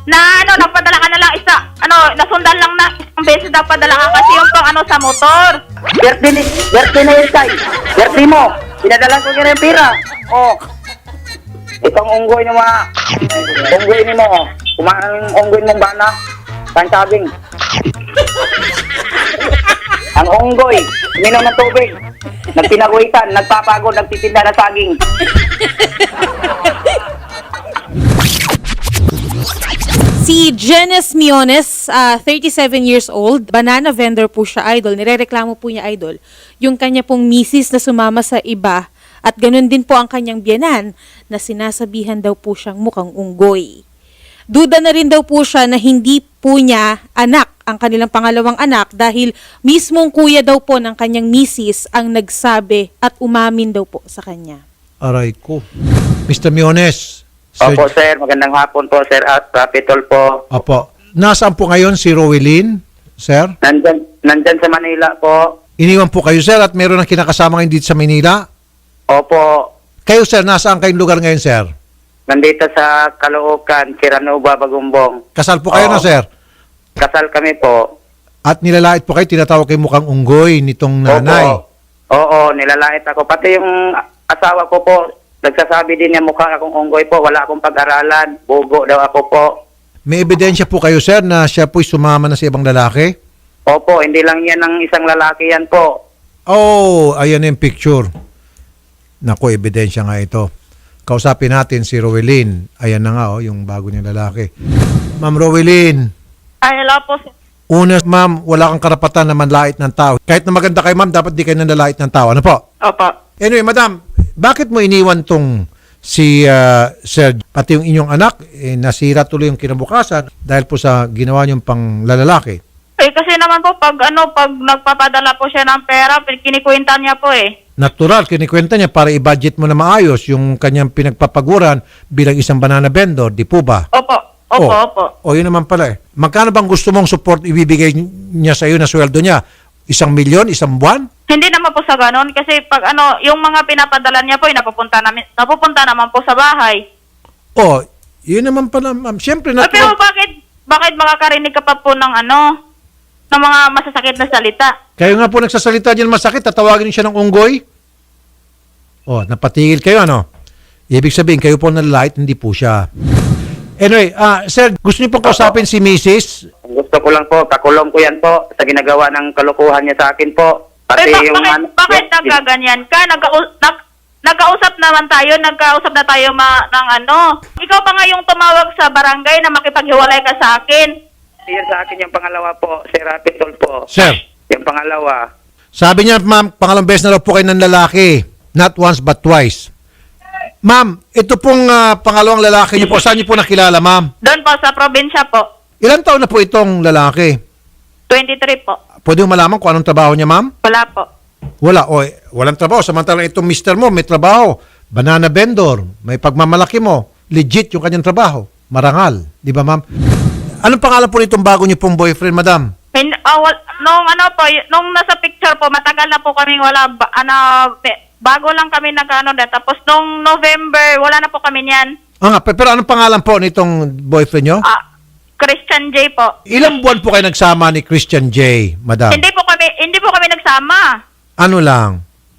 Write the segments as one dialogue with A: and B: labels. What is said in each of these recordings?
A: Na nagpadala ka na lang nasundan lang na isang beses daw padala ka kasi yung pang sa motor.
B: Birthday na yun, Tay. Birthday mo. Pinadala ko kaya yung pira. Oh. Itong unggoy ni mga... Unggoy ni mo, oh. Kumain ang unggoy mong bana. Pansabing. Ang unggoy, uminom ng tubig. Nagpinaguhitan, nagpapagod, nagtitinda ng saging.
C: Si Janice Miones, 37 years old, banana vendor po siya, idol. Nirereklamo po niya, idol, yung kanya pong misis na sumama sa iba at ganun din po ang kanyang biyanan na sinasabihan daw po siyang mukhang unggoy. Duda na rin daw po siya na hindi po niya anak ang kanilang pangalawang anak dahil mismong kuya daw po ng kanyang misis ang nagsabi at umamin daw po sa kanya.
D: Aray ko. Mr. Miones.
B: Opo, sir. Magandang hapon po, sir. At Rapitol po.
D: Opo. Nasaan po ngayon si Rowelyn, sir?
B: Nandyan sa Manila po.
D: Iniwan po kayo, sir, at meron ng kinakasama ngayon dito sa Manila?
B: Opo.
D: Kayo, sir, nasaan kayong lugar ngayon, sir?
B: Nandito sa Caloocan, Siranuba, Bagumbong.
D: Kasal po kayo
B: Oo.
D: na, sir?
B: Kasal kami po.
D: At nilalait po kayo, tinatawag kayo mukhang unggoy nitong nanay.
B: Opo. Oo, nilalait ako. Pati yung asawa ko po, nagsasabi din niya mukha akong unggoy po. Wala akong pag-aralan. Bugo daw ako po.
D: May ebidensya po kayo, sir, na siya po'y sumama na sa ibang lalaki?
B: Opo, hindi lang yan ng isang lalaki yan po.
D: Oh, ayan yung picture. Naku, ebidensya nga ito. Kausapin natin si Rowelyn. Ayan na nga, oh, yung bago niyang lalaki. Ma'am Rowelyn.
A: Ay, hello po, sir.
D: Una, ma'am, wala kang karapatan na manlait ng tao. Kahit na maganda kayo, ma'am, dapat di kayo nanlalait ng tao. Ano po?
A: Opo.
D: Anyway, madam, bakit mo iniwan tong si Sir, pati yung inyong anak, nasira tuloy yung kinabukasan dahil po sa ginawa niyong panglalalaki?
A: Kasi naman po, pag nagpapadala po siya ng pera, kinikwenta niya po
D: Natural, kinikwenta niya para i-budget mo na maayos yung kanyang pinagpapaguran bilang isang banana vendor, di po ba?
A: Opo, opo.
D: O, yun naman pala eh. Magkano bang gusto mong support ibibigay niya sa iyo na sweldo niya? 1,000,000, isang buwan?
A: Hindi naman po sa ganon kasi pag yung mga pinapadala niya po, napupunta naman po sa bahay.
D: O, yun naman pala, ma'am. Siyempre,
A: Pero bakit makakarinig ka pa po ng ng mga masasakit na salita?
D: Kayo nga po nagsasalita dyan masakit, tatawagin niyo siya ng unggoy? O, napatigil kayo, ano? Ibig sabihin, kayo po nalalait, hindi po siya. Anyway, sir, gusto niyo pong kausapin si Mrs.?
B: Gusto ko lang po, kakulong ko yan po sa ginagawa ng kalukuhan niya sa akin po. Pati
A: bakit nagkaganyan ka? Nagkausap na tayo ng Ikaw pa nga yung tumawag sa barangay na makipaghiwalay ka sa akin.
B: Yan sa akin yung pangalawa po, Sir Rapitol po.
D: Sir,
B: Yung pangalawa.
D: sabi niya, ma'am, pangalawang beses na daw po kayo ng lalaki. Not once but twice. Ma'am, ito pong pangalawang lalaki niyo po, saan niyo po nakilala, ma'am?
A: Doon po sa probinsya po.
D: Ilan taon na po itong lalaki?
A: 23 po.
D: Pwede mo malaman kung anong trabaho niya, ma'am?
A: Wala po.
D: Wala. O, walang trabaho. Samantalang itong mister mo, may trabaho. Banana vendor. May pagmamalaki mo. Legit yung kanyang trabaho. Marangal. Di ba, ma'am? Anong pangalan po nitong bago niyo pong boyfriend, madam?
A: Nung nasa picture po, matagal na po kaming wala, bago lang kami tapos nung November, wala na po kami niyan.
D: Pero anong pangalan po nitong boyfriend niyo?
A: Christian J po.
D: Ilang buwan po kayo nagsama ni Christian J, madam?
A: Hindi po kami nagsama.
D: Ano lang?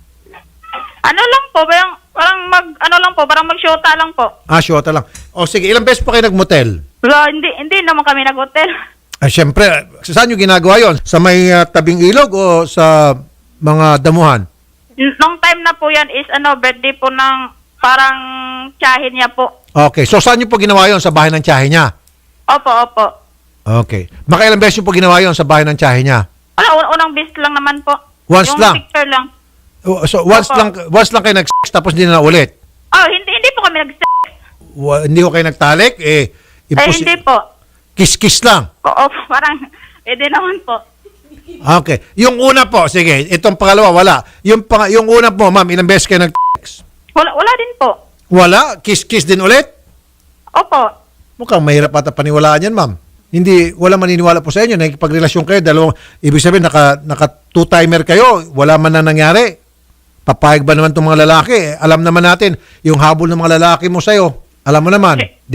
A: Parang mag-shota lang po.
D: Shota lang. O sige, ilang beses po kayo nagmotel?
A: Wala, hindi naman kami nag-hotel.
D: Siyempre, saan nyo ginagawa yon? Sa may tabing ilog o sa mga damuhan?
A: Nung time na po yan is birthday po ng parang tiyahin niya po.
D: Okay, so saan nyo po ginawa yon? Sa bahay ng tiyahe niya?
A: Opo.
D: Okay. Makailang beses nyo po ginawa yon sa bahay ng tiyahe niya?
A: Unang beses lang naman po.
D: Once
A: yung
D: lang?
A: Picture lang.
D: So once lang kayo nag-sex tapos hindi na ulit?
A: Hindi po kami nag-sex.
D: Hindi ko kayo nagtalik?
A: Hindi po.
D: Kiss-kiss lang?
A: Oo, parang, di naman po.
D: Okay. Yung una po, sige, itong pangalawa, wala. Yung una po, ma'am, ilang beses kayo nag-sex?
A: Wala din po.
D: Wala? Kiss-kiss din ulit?
A: Opo.
D: Mukhang mahirap ata paniwalaan yan, ma'am. Wala maniniwala po sa inyo. Nakikipagrelasyon kayo, ibig sabihin, naka two-timer kayo, wala man na nangyari. Papayag ba naman itong mga lalaki? Alam naman natin, yung habol ng mga lalaki mo sa'yo, alam mo naman, di ba?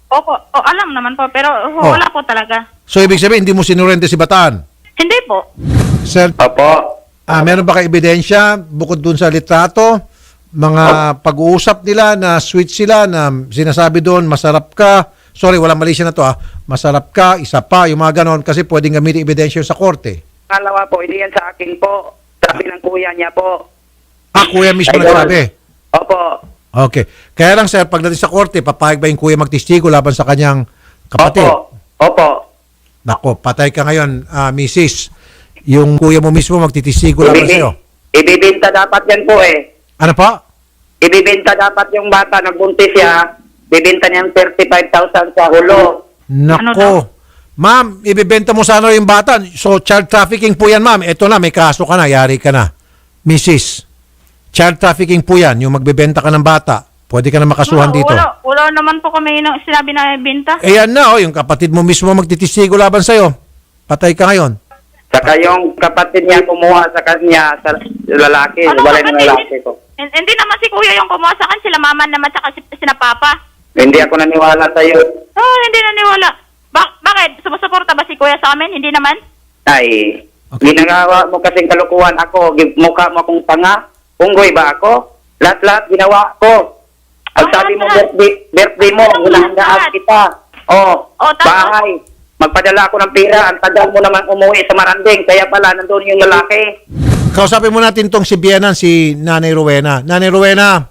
A: Opo, alam naman po, pero
D: Oh.
A: wala po talaga.
D: So, ibig sabihin, hindi mo sinurrender si Bataan?
A: Hindi po.
D: Sir,
B: Opo.
D: meron ba kayo ebidensya bukod dun sa litrato? Mga pag-uusap nila na sweet sila, na sinasabi doon, masarap ka. Sorry, walang mali siya na to masarap ka, isa pa, yung mga ganon, kasi pwedeng gamitin ebidensya sa korte.
B: Pangalawa po, hindi yan sa akin po. Sabi ng kuya niya po.
D: Kuya mismo
B: Idol.
D: nagsabi.
B: Opo.
D: Okay. Kaya lang sir, pagdating sa korte, papayag ba yung kuya magtistigo laban sa kanyang kapatid?
B: Opo.
D: Nako, patay ka ngayon, Mrs. Yung kuya mo mismo magtitistigo laban sa'yo.
B: Ibibinta dapat yan po eh.
D: Ano pa?
B: Ibibinta dapat yung bata, nagbuntis siya. Bibinta niyang 35,000 sa hulo.
A: Ano daw?
D: Nako. Ma'am, ibibenta mo sana yung bata. So, child trafficking po yan, ma'am. Ito na, may kaso ka na, yari ka na. Mrs. Child trafficking po yan, yung magbebenta ka ng bata. Pwede ka na makasuhan dito.
A: Wala naman po kami nang sinabi na binta.
D: Eh yan na, yung kapatid mo mismo magtitistigo laban sa'yo. Patay ka ngayon.
B: Saka yung kapatid niya kumuha sa kanya, sa lalaki. Wala ng lalaki ko.
A: Hindi naman si kuya yung kumuha sa akin, sila mama naman saka sila papa.
B: Hindi ako naniwala sa'yo.
A: Hindi naniwala. Bakit? Sumusuporta ba si kuya sa amin? Hindi naman?
B: Ay, ginagawa mo kasing kalukuhan ako. Mukha mo akong tanga. Unggoy ba ako? Lahat-lahat ginawa ko. Ang sabi mo, birthday mo, hinahandaan kita.
A: Tapos?
B: Bahay. Magpadala ako ng pera. Ang tagal mo naman umuwi sa Maranding. Kaya pala, nandun yung lalaki.
D: Kausapin mo natin tong si Bianan, si Nanay Rowena. Nanay Rowena,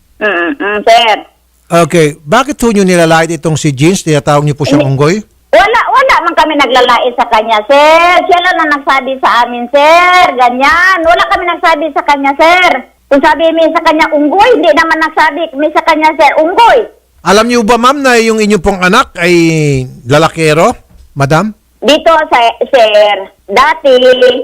E: Sir.
D: okay, bakit ho nyo nilalait itong si Jeans? Tinatawag niyo po siyang unggoy?
E: Wala man kami naglalait sa kanya, sir. Siya lang na nagsabi sa amin, sir. Ganyan. Wala kami nagsabi sa kanya, sir. Kung sabi mi sa kanya unggoy, hindi naman nagsabi mi sa kanya, sir, unggoy.
D: Alam niyo ba, ma'am, na yung inyong pong anak ay lalakero, madam?
E: Dito, sir, dati,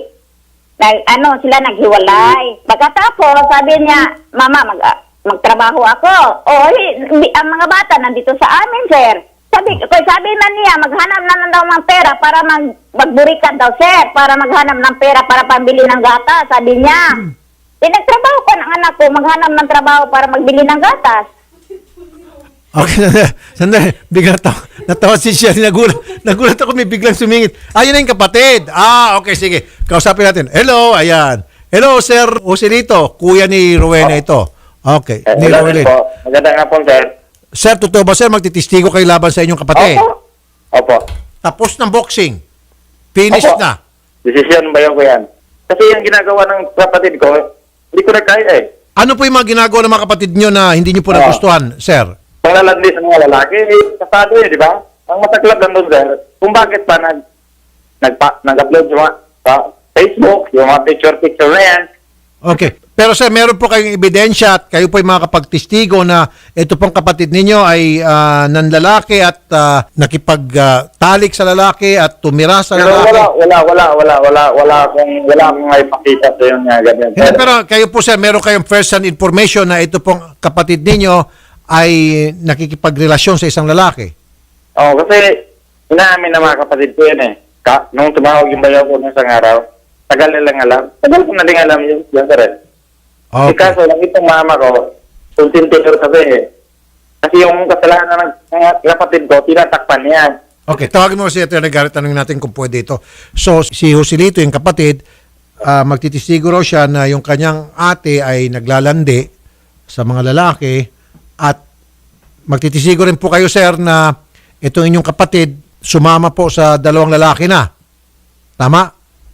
E: sila naghiwalay. Pagkatapos, sabi niya, mama, magtrabaho ako. Ang mga bata nandito sa amin, sir. Sabi man niya, maghanap na daw ng pera para magburikan daw, sir. Para maghanap ng pera para pambili ng gatas, sabi niya. Nagtrabaho ko ng anak ko, maghanap ng trabaho para magbili ng gatas.
D: Okay, sandali. Bigla natawa si Sherry. Nagulat ako, may biglang sumingit. Ayun na yung kapatid. Okay, sige. Kausapin natin. Hello, ayan. Hello, Sir Joselito. Kuya ni Rowena ito. Okay, ni Rowena.
B: Maganda nga po, sir.
D: Sir, totoo ba, sir, magtitistigo kayo laban sa inyong kapatid?
B: Opo.
D: Tapos ng boxing. Finish
B: Opo.
D: na.
B: Desisyon ba ko yan? Kasi yung ginagawa ng kapatid ko, hindi ko na kaya eh.
D: Ano po yung mga ginagawa ng mga kapatid nyo na hindi nyo po nagustuhan, sir?
B: Panglalandi sa mga lalaki, kasado yun, di ba? Ang masaklap lang doon, sir, kung bakit pa nag-upload yung sa Facebook, yung mga picture na yan.
D: Okay. Pero sir, meron po kayong ebidensya at kayo po yung mga kapagtistigo na ito pong kapatid ninyo ay nanlalaki at nakipagtalik sa lalaki at tumira sa
B: Pero
D: lalaki.
B: wala akong maipakita sa yun nga ganyan.
D: Hindi, pero kayo po sir, meron kayong first-hand information na ito pong kapatid ninyo ay nakikipagrelasyon sa isang lalaki.
B: Kasi inaamin na mga kapatid ko yan eh. Nung tumawag yung bayaw ko ng isang araw, tagal nilang alam. Tagal ko na din alam yun, sir.
D: Okay.
B: Kaso lang itong mama ko, consentinor sabi eh. Kasi yung kasalanan ng kapatid ko, tinatakpan niya.
D: Okay, tawagin mo si Atty. Garrett, tanongin natin kung pwede ito. So, si Joselito, yung kapatid, magtitistigo raw siya na yung kanyang ate ay naglalandi sa mga lalaki at magtitisigo rin po kayo, sir, na itong inyong kapatid sumama po sa dalawang lalaki na. Tama?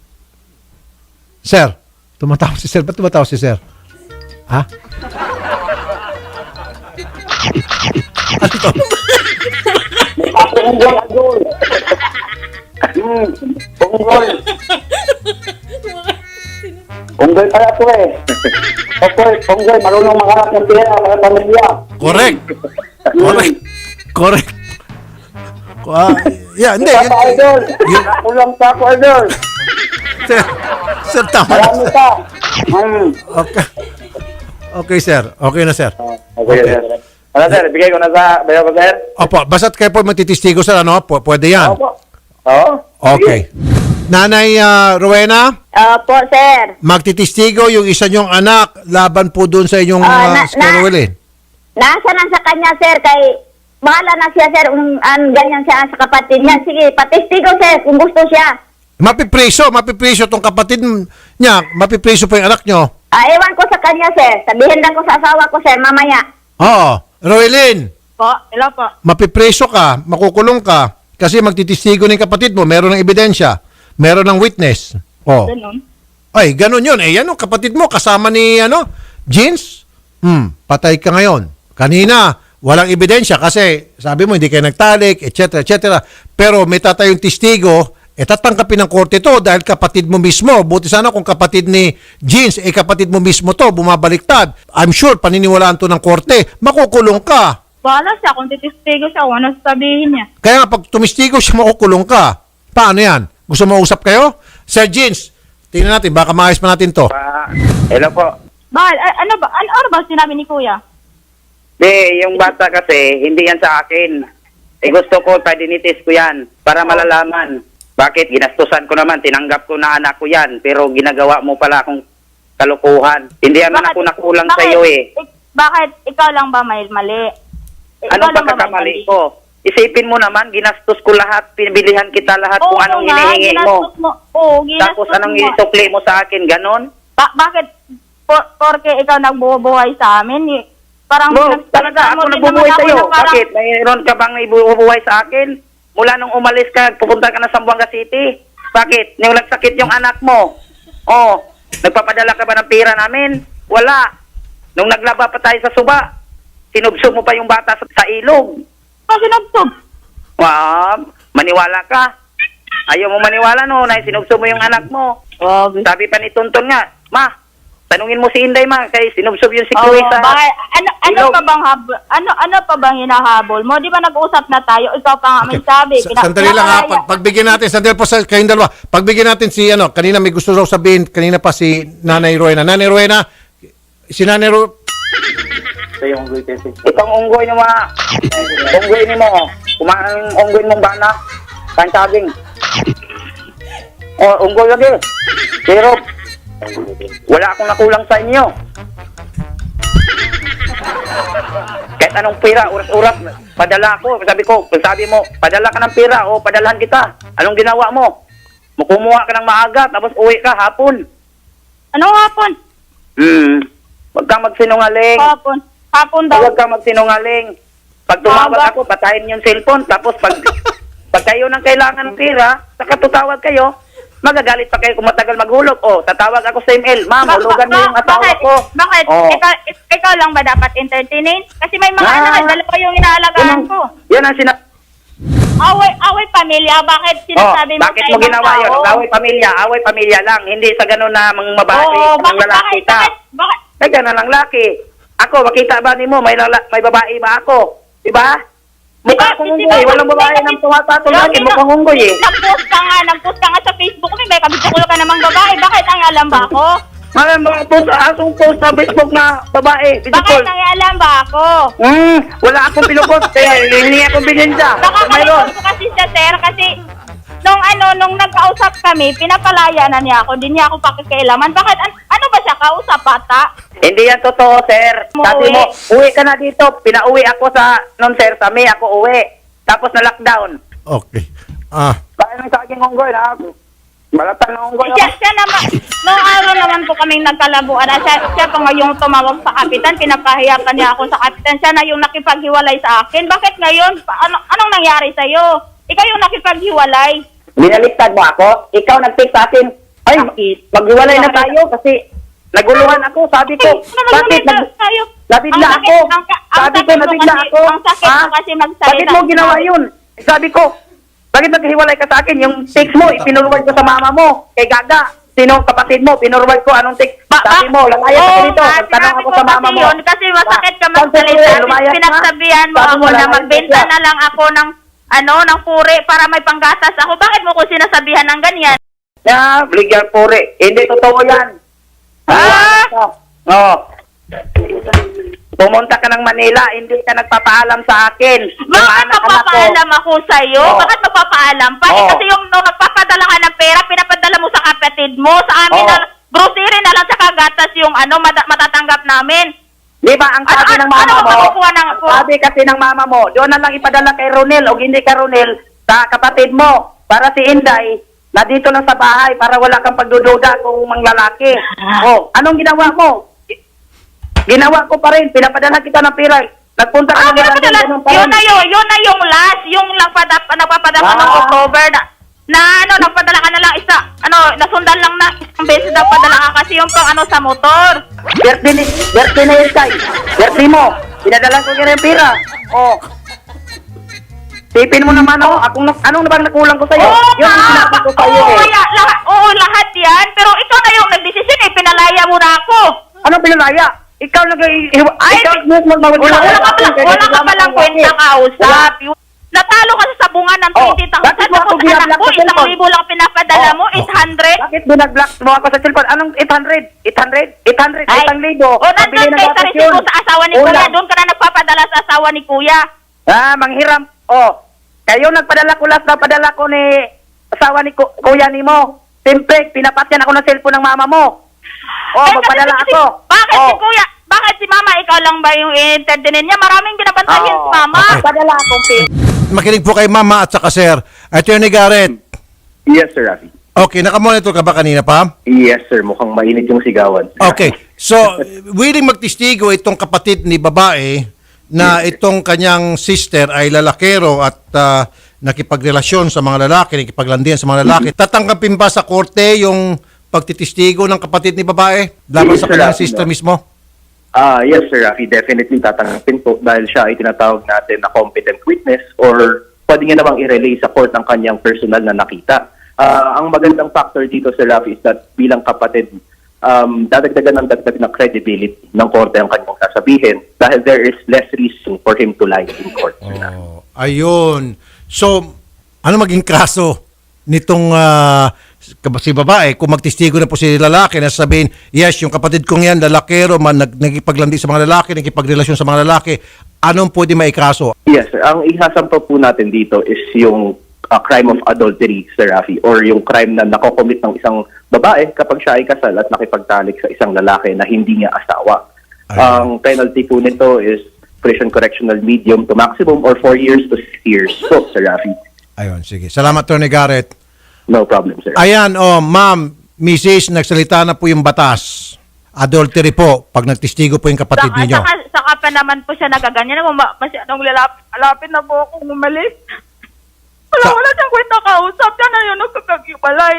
D: Sir, tumatawa si sir. Ba't tumatawa si sir? Ha?
B: Unggoy pala ito eh. Unggoy, marunong makaharap ng pera para pamilya.
D: Correct. Correct. Yeah, hindi.
B: Papa Idol, kulang pa ako, Idol.
D: Sir, tama na.
B: Marami pa.
D: Okay. Okay, sir. Okay na, sir.
B: Okay, sir. Ano, sir? Bigay ko na sa bayo ko, sir?
D: Opo, basta't kayo po matitistigo, sir, ano? Pwede yan.
B: Opo. Oo.
D: Okay. Nanay Rowena,
E: Opo, sir.
D: magtitistigo yung isa nyong anak laban po doon sa inyong
E: na-
D: Squirrelin.
E: Nasa na sa kanya, sir, kay bahala na siya, sir, ganyan siya sa kapatid niya. Sige, patistigo, sir, kung gusto siya.
D: Mapipreso tong kapatid niya, mapipreso po yung anak nyo.
E: Ewan ko sa kanya, sir. Sabihin lang ko sa asawa ko, sir, mamaya.
D: Oo. Roelyn,
A: Po, hello po.
D: mapipreso ka, makukulong ka, kasi magtitistigo ng kapatid mo, meron ng ebidensya, meron ng witness. Oh.
A: Ganun.
D: Ay, ganun yun. Eh, yan o, kapatid mo, kasama ni, Jeans? Patay ka ngayon. Kanina, walang ebidensya kasi sabi mo, hindi kayo nagtalik, etc., etc. Pero may tatayong testigo, tatangkapin ng korte to dahil kapatid mo mismo. Buti sana kung kapatid ni Jeans, kapatid mo mismo to, bumabaliktad. I'm sure, paniniwalaan to ng korte, makukulong ka.
A: Bahala siya kung titistigo siya kung ano sabihin niya.
D: Kaya nga, pag tumistigo siya, makukulong ka. Paano yan? Gusto mo usap kayo? Sir Jeans, tingnan natin, baka maayos pa natin to.
B: Hello po.
A: Bakit? Ano ba sinabi ni Kuya?
B: Yung bata kasi, hindi yan sa akin. Gusto ko, padinitis ko yan para malalaman. Bakit? Ginastusan ko naman, tinanggap ko na anak ko yan, pero ginagawa mo pala akong kalukuhan. Hindi naman ako nakulang sa iyo
A: Bakit? Ikaw lang ba may mali?
B: Anong pagkakamali ko? Isipin mo naman, ginastos ko lahat, pinibilihan kita lahat kung anong hinihingi mo. Tapos anong isukli mo sa akin, ganon?
A: Bakit? Porque ikaw nagbubuhay sa amin. Parang
B: Talaga, ako nagbubuhay sa iyo. Bakit? Mayroon ka bang ibubuhay sa akin? Mula nung umalis ka, pupunta ka na Zamboanga City. Bakit? Nung nagsakit yung anak mo. Oh, nagpapadala ka ba ng pera namin? Wala. Nung naglaba pa tayo sa suba, sinubsob mo pa yung bata sa ilog.
A: Sinubsob?
B: Maniwala ka. Ayaw mo maniwala no, na sinubsob mo yung anak mo. Sabi pa ni Tonton nga, ma, tanungin mo si Inday ma, kay sinubsob yung si Kuya sa
A: ano pa bang hinahabol mo? Di ba nag-usap na tayo? Ikaw pa nga may sabi.
D: Sandali lang ha, pagbigyan natin, sandali po sa kayong dalawa. Pagbigyan natin si, kanina may gusto raw sabihin, kanina pa si Nanay Rowena. Nanay Rowena, si Nanay Rowena,
B: itong unggoy ni mga unggoy ni mo, kumain unggoy mong bana, kansaging. Unggoy lagi. Pero wala akong nakulang sa inyo. Kahit anong pira, uras-uras, padala ko. Sabi mo, padala ka ng pira o padalahan kita. Anong ginawa mo? Kumuha ka ng maaga, tapos uwi ka hapon.
A: Anong hapon?
B: Huwag kang magsinungaling.
A: Hapon daw.
B: Huwag kang magsinungaling. Pag tumawag ako, patayin yung cellphone. Tapos pag kayo nang kailangan ng pira, saka tutawag kayo, magagalit pa kayo kung matagal maghulog. Tatawag ako sa email. Ma'am, hulugan mo yung asawa ko.
A: Bakit? Ikaw lang ba dapat entertainin? Kasi may mga anak, dalawa yung inaalagaan ko.
B: Yan ang
A: Away pamilya, bakit sinasabi mo
B: bakit
A: sa
B: mo
A: ibang
B: ginawa yun?
A: tao?
B: Away pamilya lang. Hindi sa ganun na mga babae, mga lalaki ka.
A: Bakit?
B: Ay, ganun ang laki. Ako, makita ba ni mo, may babae ba ako? Diba? Mukha akong unggoy. Walang babae nang tumatatol lagi. Mukhang unggoy eh.
A: Nag-post ka nga sa Facebook ko, may kabitukulo ka namang babae. Bakit ang alam ba ako?
B: Asong post sa Facebook na babae.
A: Bakit ang alam ba ako?
B: Wala akong pinupost. Kaya hindi akong binensya.
A: Nakakalimutan ko kasi siya, sir, kasi nung nagkausap kami, pinapalaya na niya ako, hindi niya ako pakikialaman. Bakit? Ano ba siya kausap, bata?
B: Hindi yan totoo, sir. Sabi mo, uwi ka na dito. Pinauwi ako sir, sa May ako uwi. Tapos na lockdown.
D: okay.
B: Kaya nang sa aking unggoy na ako. Balatan ng unggoy ako.
A: Siya naman, noong araw naman po kaming nagkalabuan, siya pa nga yung tumawag sa kapitan, pinapahiyakan niya ako sa kapitan, siya na yung nakipaghiwalay sa akin. Bakit ngayon? Anong nangyari sa'yo? Ikaw yung nakipaghiwalay.
B: Binaliktad mo ako? Ikaw nag-text sa akin, ay, maghiwalay na tayo kasi naguluhan ako. Sabi ko, bakit? Nabigla ako. Sabi ko, nabigla ako.
A: Ang sakit mo kasi magsalita.
B: Bakit mo ginawa yun? Sabi ko, bakit naghiwalay ka sa akin? Yung text mo, ipinurwad ko sa mama mo. Kay Gaga. Sino kapatid mo? Pinurwad ko. Anong text? Sabi mo, lalayas ako dito. Tanong ako sa mama mo.
A: Kasi masakit ka magsalita. Pinagsabihan mo ako na magbenta na lang ako ng ng puri para may panggatas ako. Bakit mo ko sinasabihan ng ganyan?
B: Legal puri. Hindi totoo yan. Pumunta ka ng Manila, hindi ka nagpapaalam sa akin.
A: Bakit magpapaalam ako sa'yo? Bakit magpapaalam pa? Kasi yung nagpapadala ka ng pera, pinapadala mo sa kapatid mo. Sa amin na grocery na lang sa kagatas yung matatanggap namin.
B: Di ba ang sabi ng mama mo,
A: makukuha ng...
B: sabi kasi ng mama mo, doon na lang ipadala kay Ronel o hindi kay Ronel sa kapatid mo para si Inday na dito lang sa bahay para wala kang pagdududa kung manglalaki. Oh, anong ginawa mo? Ginawa ko pa rin, pinapadala kita ng pira. Nagpunta ka
A: Pero
B: ng
A: yun na yung last, yung nagpapadala ng October na nagpadala ka na lang nasundan lang na isang beses nagpadala ka kasi yung pang sa motor.
B: Birthday na yun, Tay. Birthday mo. Pinadala ko kaya yung pira. Oh. Tipin mo naman ako. Anong na bang nakulang ko sa'yo? Yun ang sinabi ko sa'yo
A: Lahat yan. Pero ikaw na yung nagdesisyon pinalaya mo na ako.
B: Anong pinalaya? Ikaw
A: Wala ka palang kwenta kausap. Natalo ka sa sabungan ng 20,000.
B: Bakit mo ako
A: Tapos
B: binablock
A: anak ko,
B: sa cellphone?
A: 1,000 lang pinapadala mo, 800.
B: Bakit binablock mo ako sa cellphone? Anong 800? 800? 800?
A: Ay,
B: 1,000.
A: o nandun kayo sa resibo sa asawa ni Kuya. Doon ka na nagpapadala sa asawa ni Kuya.
B: Manghiram. Oh, kayo nagpadala ko last na padala ko ni asawa ni Kuya ni mo. Simple, pinapatyan ako ng cellphone ng mama mo. Oh, magpadala ako.
A: Bakit si Kuya? Bakit si Mama? Ikaw lang ba yung i-entertainin niya? Maraming binabantayan si Mama.
D: Okay.
B: Padala akong pin.
D: Makinig po kay Mama at saka Sir. Attorney Garrett.
F: Yes, Sir Rafi.
D: Okay, nakamonitor ka ba kanina pa?
F: Yes, sir. Mukhang mainit yung sigawan.
D: Okay. So, willing magtistigo itong kapatid ni babae na itong kanyang sister ay lalakero at nakipagrelasyon sa mga lalaki, nakipaglandian sa mga lalaki. Tatanggapin ba sa korte yung pagtitistigo ng kapatid ni babae laban
F: Yes,
D: sa
F: sir,
D: kanyang
F: Rafi.
D: sister mismo?
F: Yes, Sir Rafi. Definitely tatanggapin po dahil siya ay tinatawag natin na competent witness or pwede niya namang i-relay sa court ang kanyang personal na nakita. Ang magandang factor dito, Sir Rafi, is that bilang kapatid, dadagdagan ng dagdag na credibility ng korte ang kanyang sasabihin dahil there is less reason for him to lie in court. Sir Rafi.
D: Oh, ayun. So, ano maging kaso nitong si babae kung magtistigo na po si lalaki na sabihin, yes, yung kapatid kong yan, lalakero, nagipaglandi sa mga lalaki, nagipagrelasyon sa mga lalaki, anong pwede maikaso?
F: Yes, sir. Ang isasampa po natin dito is yung crime of adultery, Sir Rafi, or yung crime na nakocommit ng isang babae kapag siya ay kasal at nakipagtalik sa isang lalaki na hindi niya asawa. Ang penalty po nito is prison correctional medium to maximum or 4 years to 6 years po, Sir Rafi.
D: Ayun, sige. Salamat, Tony Garrett.
F: No problem, sir.
D: Ayan, ma'am, Mrs., nagsalita na po yung batas. Adultery po, pag nagtistigo po yung kapatid ninyo.
A: Saka pa naman po siya nagaganyan. Masyadong lalapit na po akong umalis. Wala siyang kwenta kausap. Yan na yun, nagkakagibalay.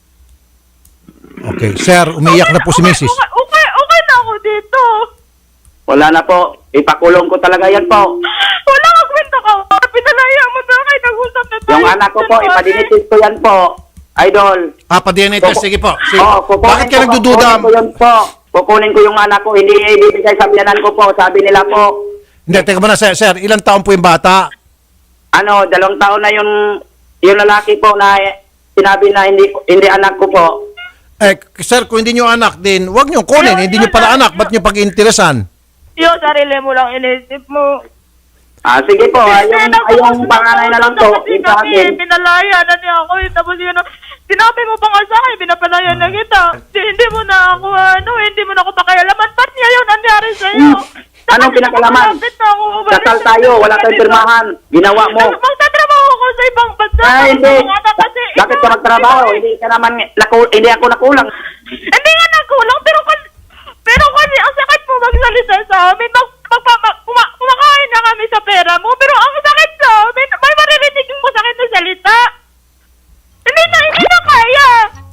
D: Okay, sir, umiyak na po si Mrs.
A: Okay na ako dito.
B: Wala na po. Ipakulong ko talaga yan po.
A: Wala kang kwenta kausap. Pinalaya mo na kayo. Nag-usap na tayo.
B: Yung anak ko po, ipadinitis ko yan po. Idol.
D: Pa-DNA test, sige po. Sige.
B: Kukunin
D: Bakit ka
B: ko-
D: nagdududa?
B: Kukunin ko yun po. Kukunin ko yung anak ko. Hindi ibibigay sa biyanan ko po. Sabi nila po.
D: Hindi, teka muna, sir, ilang taon po yung bata?
B: 2 taon na yung lalaki po na sinabi na hindi anak ko po.
D: Sir, kung hindi nyo anak din, huwag nyo kunin. Hindi nyo pala anak, ba't nyo pag-interesan?
A: Yung sarili mo lang inisip mo.
B: Sige po. Yung panganay na lang po.
A: Kasi
B: Yung sa akin.
A: pinalaya na niya ako. Tapos yun, sinabi mo pa nga sa akin, pinapalaya na kita. Hindi mo na ako, hindi mo na ako pakialaman. Ba't niya yun nangyari sa'yo?
B: Anong pinakalaman? Kasal tayo. Wala tayong pirmahan. Ginawa mo.
A: Magtatrabaho ko sa ibang bansa.
B: Hindi.
A: Kasi
B: Bakit ka magtrabaho? Hindi ka naman, hindi ako nakulang.
A: Hindi nga nagkulang, pero kasi ang sakit mo magsalita sa amin. Kumakain na kami sa pera mo, pero ang sakit sa amin, may maririnig mo sakit na salita. Hindi na kaya.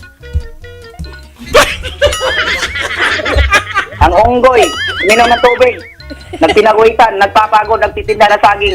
B: Ang unggoy, minom ng tubig. Nagpinaguitan, nagpapagod, nagtitinda ng saging.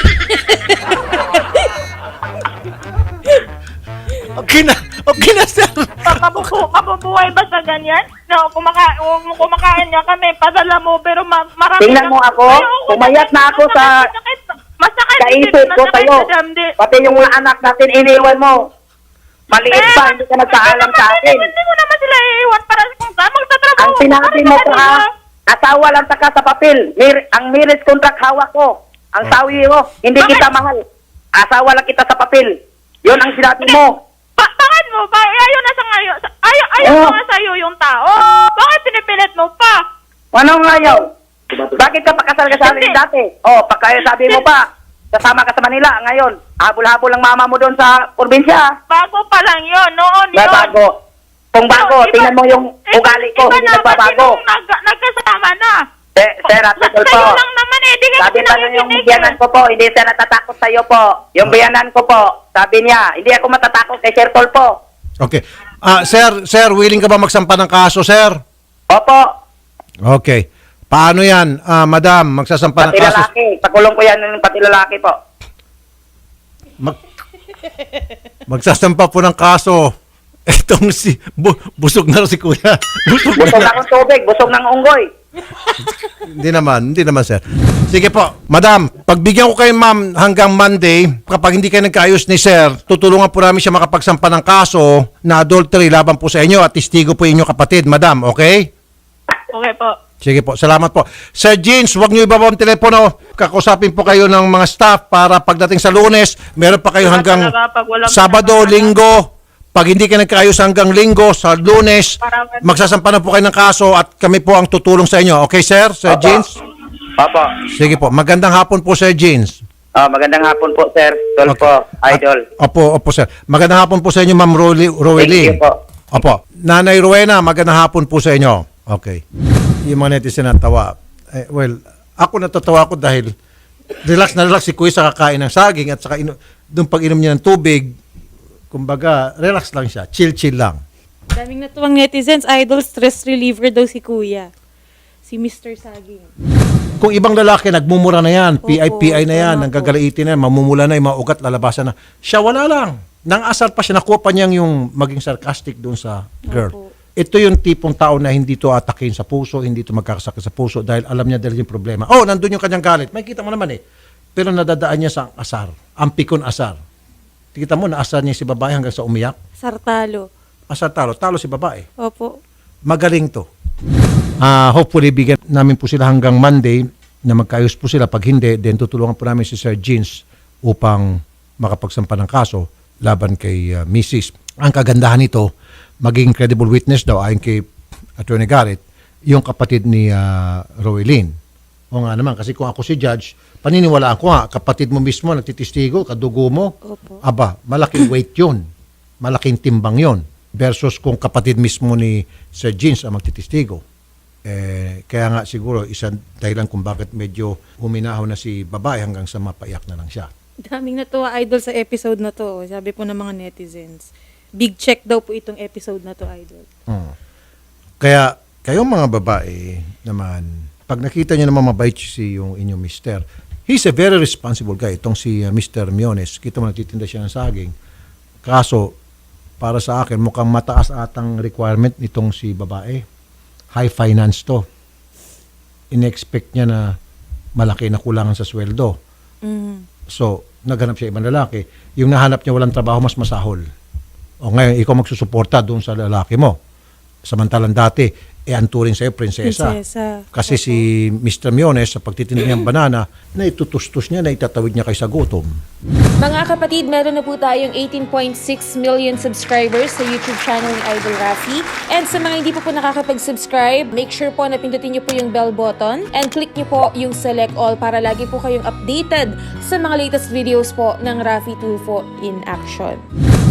D: Okay na, sir.
A: Mabubuhay ba sa ganyan? No, kumakain niya kami, padala mo, pero marami
B: Tingnan mo ako, pumayat na ako sa
A: masakit
B: kaisip ko sa'yo. Pati yung mga anak natin, iniwan mo. Maliit pa, hindi ka nagpaalam sa akin.
A: Hindi mo naman sila iiwan para kung saan magtatrabaho.
B: Ang sinabi mo ka, asawa lang taka sa papel. Ang marriage contract hawak ko. Ang sawi mo, hindi kita mahal. Asawa lang kita sa papel. Yun ang sinabi mo.
A: Bakit mo? Ayaw na sa ngayon. Ayaw
B: Oh.
A: na nga sa'yo yung tao. Bakit pinipilit mo pa?
B: Anong ayaw? Bakit ka pakasal ka sa amin
A: Hindi.
B: dati? Pagkaya sabi mo pa, kasama ka sa Manila. Ngayon, habol-habol ang mama mo doon sa probinsya.
A: Bago pa lang yun. Noon
B: Na
A: yun.
B: bago. Kung bago,
A: Iba-
B: tingnan mo yung ugali ko,
A: iba
B: hindi
A: naman
B: nagbabago.
A: sinong nagkasama na.
B: Sir, at Idol po.
A: Sa'yo lang naman eh. Di ka
B: Sabi pa nung yung
A: pinakikinig
B: biyanan ko po, hindi siya natatakot sa'yo po. Yung biyanan ko po, sabi niya, hindi ako matatakot kay Sir Tol po.
D: Okay. Sir, willing ka ba magsampa ng kaso, sir?
B: Opo,
D: Okay. Paano yan, madam, magsasampa ng
B: pati
D: kaso?
B: lalaki. Pakulong ko yan ng pati lalaki po.
D: Magsasampa po ng kaso. Itong busog na si kuya. Busog
B: Busog
D: na.
B: na akong tubig, busog ng unggoy.
D: Hindi naman, sir. Sige po, madam, pagbigyan ko kayo, ma'am, hanggang Monday, kapag hindi kayo nagkaayos ni sir, tutulungan po namin siya makapagsampa ng kaso na adultery laban po sa inyo at testigo po inyong kapatid, madam, okay?
A: Okay po.
D: Sige po, salamat po. Sir Jeans, huwag niyo ibaba ang telepono. Kakusapin po kayo ng mga staff para pagdating sa Lunes, meron pa kayo hanggang
A: Talaga, pag walang
D: Sabado,
A: pinapagawa.
D: Linggo. Pag hindi kayo nagkaayos hanggang Linggo, sa Lunes,
A: Para-
D: magsasampa na po kayo ng kaso at kami po ang tutulong sa inyo. Okay, sir? Sir Jeans?
B: Opo.
D: Sige po. Magandang hapon po, Sir Jeans.
B: Magandang hapon po, Sir. Tol
D: Okay.
B: po, Idol.
D: Opo, sir. Magandang hapon po sa inyo, Ma'am Rowelyn.
B: Thank you po.
D: Opo. Nanay Rowena, magandang hapon po sa inyo. Okay. Yung mga netizen natawa. Well, ako natatawa ko dahil relax na relax si Kuya sa kakain ng saging at saka doon pag-inom niya ng tubig, kumbaga, relax lang siya. Chill lang.
C: Daming natuwang netizens, idol, stress reliever daw si kuya. Si Mr. Saging.
D: Kung ibang lalaki, nagmumura na yan,
C: Opo,
D: PI na yan,
C: tama
D: nanggagaliitin na yan, mamumula na yung mga ugat, lalabasan na. Siya wala lang. Nang asar pa siya, nakuha pa niyang yung maging sarcastic doon sa girl.
C: Opo.
D: Ito yung tipong tao na hindi to atakin sa puso, hindi to magkakasakit sa puso dahil alam niya dahil yung problema. Nandun yung kanyang galit. May kita mo naman eh. Pero nadadaan niya sa asar. Ang pikon asar. Kita mo, naasar niya si babae hanggang sa umiyak.
C: Sartalo.
D: Asar talo si babae.
C: Opo.
D: Magaling to. Hopefully, bigyan namin po sila hanggang Monday na magkaayos po sila. Pag hindi, then tutulungan po namin si Sir Jeans upang makapagsampa ng kaso laban kay Mrs. Ang kagandahan nito, maging credible witness daw ayon kay Attorney Garrett, yung kapatid ni Rowelyn. O nga naman, kasi kung ako si judge, paniniwalaan ko nga, kapatid mo mismo, nagtitistigo, kadugo mo,
C: Opo.
D: aba, malaking weight yun. Malaking timbang yun. Versus kung kapatid mismo ni Sir Jeans ang magtitistigo. Kaya nga siguro, isang dahilan kung bakit medyo huminahaw na si babae hanggang sa mapaiyak na lang siya.
C: Daming natuwa, idol, sa episode na to. Sabi po ng mga netizens. Big check daw po itong episode na to, idol.
D: Kaya, kayong mga babae naman, pag nakita nyo naman mabait si yung inyong mister, he's a very responsible guy. Itong si Mr. Miones, kita mo nagtitinda siya ng saging. Kaso, para sa akin, mukhang mataas atang requirement nitong si babae. High finance to. In-expect niya na malaki na kulangan sa sweldo. So, naghanap siya ibang lalaki. Yung nahanap niya walang trabaho, mas masahol. O ngayon, ikaw magsusuporta doon sa lalaki mo. Samantalang dati, ang turing sa'yo, prinsesa. Kasi si Mr. Miones, sa pagtitinda niyang banana, na itutustos niya, na itatawid niya kay sa gutom.
G: Mga kapatid, meron na po tayong 18.6 million subscribers sa YouTube channel ni Idol Rafi. And sa mga hindi po nakakapag-subscribe, make sure po na pindutin niyo po yung bell button and click niyo po yung select all para lagi po kayong updated sa mga latest videos po ng Rafi Tulfo in Action.